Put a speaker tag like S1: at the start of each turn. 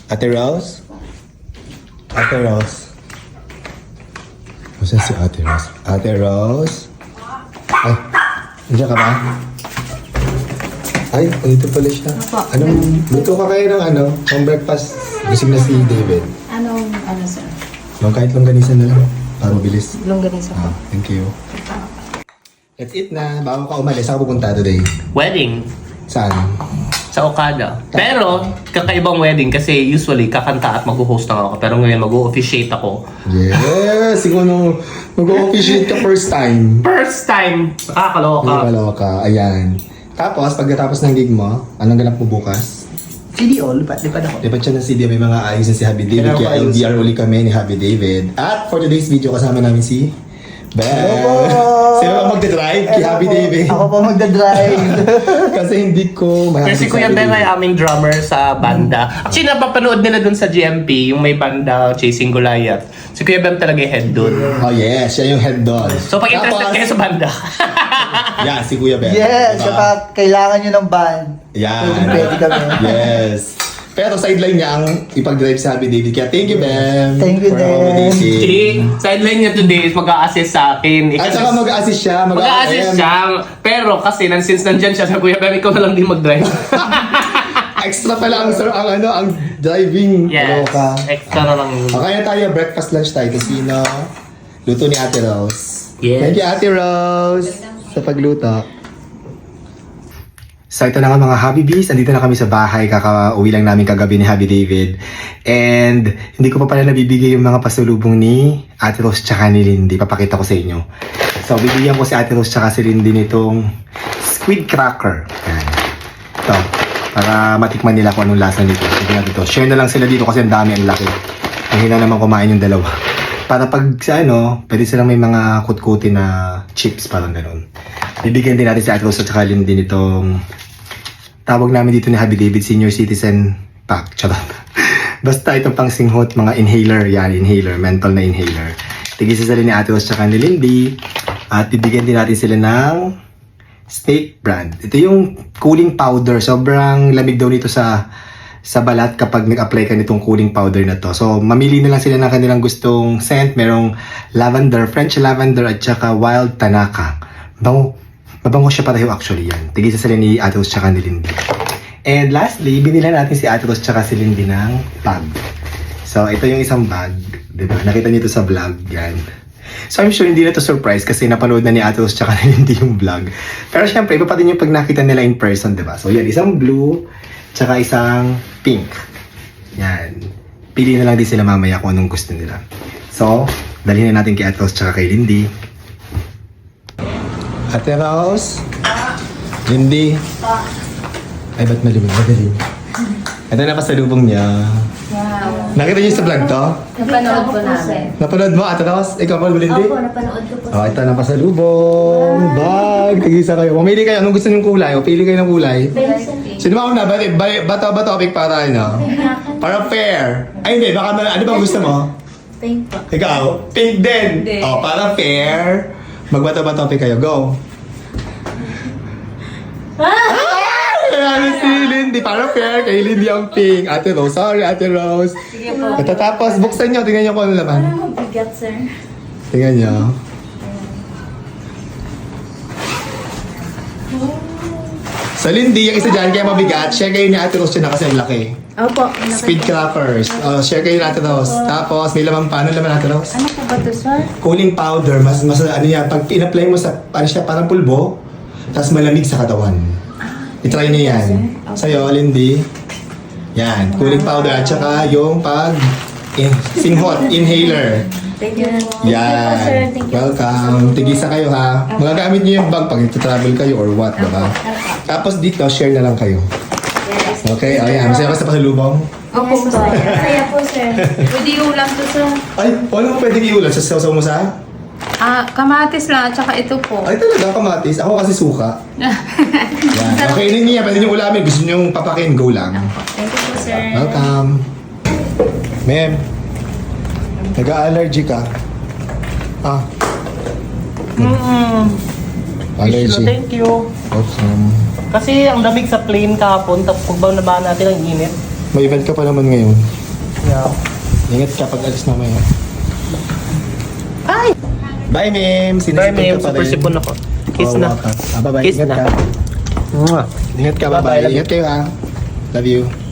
S1: Ate Rose? Ate Rose? Saan si Ate Rose? Ate Rose? Ay, nandiyan ka ba? Ay, dito pala siya. Anong, luto ka kayo ng ano? Pang breakfast. Gising na si David.
S2: Ano, sir?
S1: Kahit longganisan na lang. Para mabilis.
S2: Longganisa po.
S1: Thank you. Let's eat na. Bago ka umalis, saan ka pupunta today?
S3: Wedding
S1: Saan?
S3: sa Okada. Pero, kakaibang wedding kasi usually kakanta at mag-host lang ako. Pero ngayon mag-officiate ako.
S1: Yes! Siguro mag-officiate ka first time.
S3: First time! Nakakaloka.
S1: Kaloka. Ayan. Tapos, pagkatapos ng gig mo, anong ganap mo bukas?
S4: CD all, lipad ako.
S1: Lipat siya ng CD, may mga ayos na si Happy David. Kaya LDR uli kami ni Happy David. At for today's video, kasama namin si Ben. Sino ba magdadrive? Kay Happy David.
S4: Ako po magdadrive.
S1: Kasi hindi ko
S3: Pero si Kuya Ben ay aming drummer sa banda. Actually, napapanood nila dun sa GMP, yung may banda Chasing Goliath. Si Kuya Ben talaga yung head dun.
S1: Oh yes, siya yung head doll.
S3: So, pag interested kayo sa banda.
S1: Yeah, si Kuya Ben.
S4: Yes,
S1: Diba?
S4: kapag kailangan nyo ng band,
S1: Yan.
S4: pwede kami.
S1: Yes. Pero sideline niya ang ipag-drive sa Happy David. Kaya thank you, Ben.
S4: Thank you,
S1: for
S4: Ben.
S1: accommodating.
S3: Si sideline niya today is mag-a-assist sa akin.
S1: At saka mag-assist siya.
S3: Mag-a-assist siya. Pero kasi since nandyan siya sa Kuya Ben, ikaw na lang din mag-drive.
S1: Extra pala ang, ang driving.
S3: Yes.
S1: Kaloka.
S3: Extra na lang yun.
S1: Kaya tayo, breakfast lunch tayo. Casino. Luto ni Ate Rose.
S3: Yes.
S1: Thank you, Ate Rose, sa pagluto. So ito na nga mga Habibis, andito na kami sa bahay, kakauwi lang namin kagabi ni Happy David. And hindi ko pa pala nabibigay yung mga pasulubong ni Ate Rose tsaka ni Lindy, papakita ko sa inyo. So bibigyan ko si Ate Rose tsaka si Lindy nitong squid cracker. Yan. Ito, para matikman nila kung anong lasa nito. Ito. Share na lang sila dito kasi ang dami, ang laki. Mahina naman kumain yung dalawa. Para pag sa pwede silang may mga kutkuti na chips, parang gano'n. Bibigyan din natin si Ate Rose at saka Lindy nitong tawag namin dito ni Happy David Senior Citizen Pack. Charot. Basta itong pang singhot, mga inhaler. Yan, inhaler. Mental na inhaler. Tigisa sila ni Ate Rose at saka ni Lindy. At bibigyan din natin sila ng Snake brand. Ito yung cooling powder. Sobrang lamig daw nito sa balat kapag nag-apply ka nitong cooling powder na to. So, mamili na lang sila ng kanilang gustong scent. Merong lavender, French lavender at saka wild tanaka. Mabango siya pareho actually yan. Tigisa sila ni Ate Rose tsaka ni Lindy. And lastly, binila natin si Ate Rose tsaka si Lindy ng bag. So, ito yung isang bag. Diba? Nakita niyo ito sa vlog. Yan. So, I'm sure hindi na to surprise kasi napanood na ni Ate Rose tsaka ni Lindy yung vlog. Pero syempre, iba pa din yung pag nakita nila in person, diba? So, yan. Isang blue tsaka isang pink. Yan. Pili na lang din sila mamaya kung anong gusto nila. So, dalhin na natin kay Ate Rose tsaka kay Lindy. Ate Rose? Lindy? Ay, ba't maliban? Madaling. Ito na pasalubong niya.
S2: Wow.
S1: Nakita niyo sa vlog to?
S2: Napanood po namin.
S1: Napanood mo, Ate Rose? Ikaw pa, Lindy?
S2: Opo, napanood ko po.
S1: Oh, ito na pasalubong. Bag. Tag-isa kayo. Mamili kayo. Anong gusto niyong kulay? O, pili kayo ng kulay. Sino ba una? Ba topic para ano? Para fair. Ay, hindi. Baka ano bang gusto mo?
S2: Thank po.
S1: Ikaw? Pink din.
S2: Hindi.
S1: Oh, para fair. Magbato ba topic kayo? Go. Ano si Lindy? Para fair. Kay Lindy ang pink. Ate Rose. Sorry, Ate Rose.
S2: Sige po.
S1: At tapos, buksan nyo. Tingnan nyo kung ano laman.
S2: Parang mabigat, sir.
S1: Tingnan nyo. Sa Lindy, yung isa dyan, kaya mabigat. Share kayo ni Ate Rose yun na kasi ang laki.
S2: Opo.
S1: Speed crackers. Oh, share kayo ni Ate Rose. Tapos, may laman pa. Ano laman Ate Rose?
S2: Ano po ba ito, sir?
S1: Cooling powder. Mas ano yan. Pag in-apply mo sa, ano siya, parang pulbo. Tapos malamig sa katawan. I-try niyo yan. Sa'yo, Lindy. Yan. Cooling powder. At saka yung singhot, inhaler.
S2: Thank you po.
S1: Yan.
S2: Thank you po, sir.
S1: Welcome. Tigisa kayo ha. Magagamit niyo yung bag pag travel kayo or what, diba? Tapos dito, share na lang kayo.
S2: Yes.
S1: Okay, ayan. Masaya ka sa pasalubong?
S2: Opo, sir. Kaya po, sir. Pwede ulam to, sir.
S1: Ay, ano mo pwedeng iulan? Sa sasaw mo sa?
S2: Kamatis lang, at saka ito po.
S1: Ay, talaga, kamatis. Ako kasi suka. Yan. Okay, yun niya. Pwede niyo ulamin. Gusto niyo papakin, go lang.
S2: Thank you po, sir.
S1: Welcome. Ma'am, nag-allergy ka? Ah. Allergy.
S3: Thank you.
S1: Awesome.
S3: Kasi ang lamig sa plane kahapon, tapos pagbaw na ba natin ang init.
S1: May event ka pa naman ngayon.
S3: Yeah.
S1: Ingat ka pag alis mamaya.
S3: Ay!
S1: Bye, Mim!
S3: Bye, Mim. Super sipon ako. Kiss na.
S1: Bye-bye.
S3: Kiss
S1: Ingat
S3: na.
S1: ka.
S3: Mwah.
S1: Ingat ka,
S3: Bye-bye.
S1: bye-bye. Ingat kayo, ah. Love you.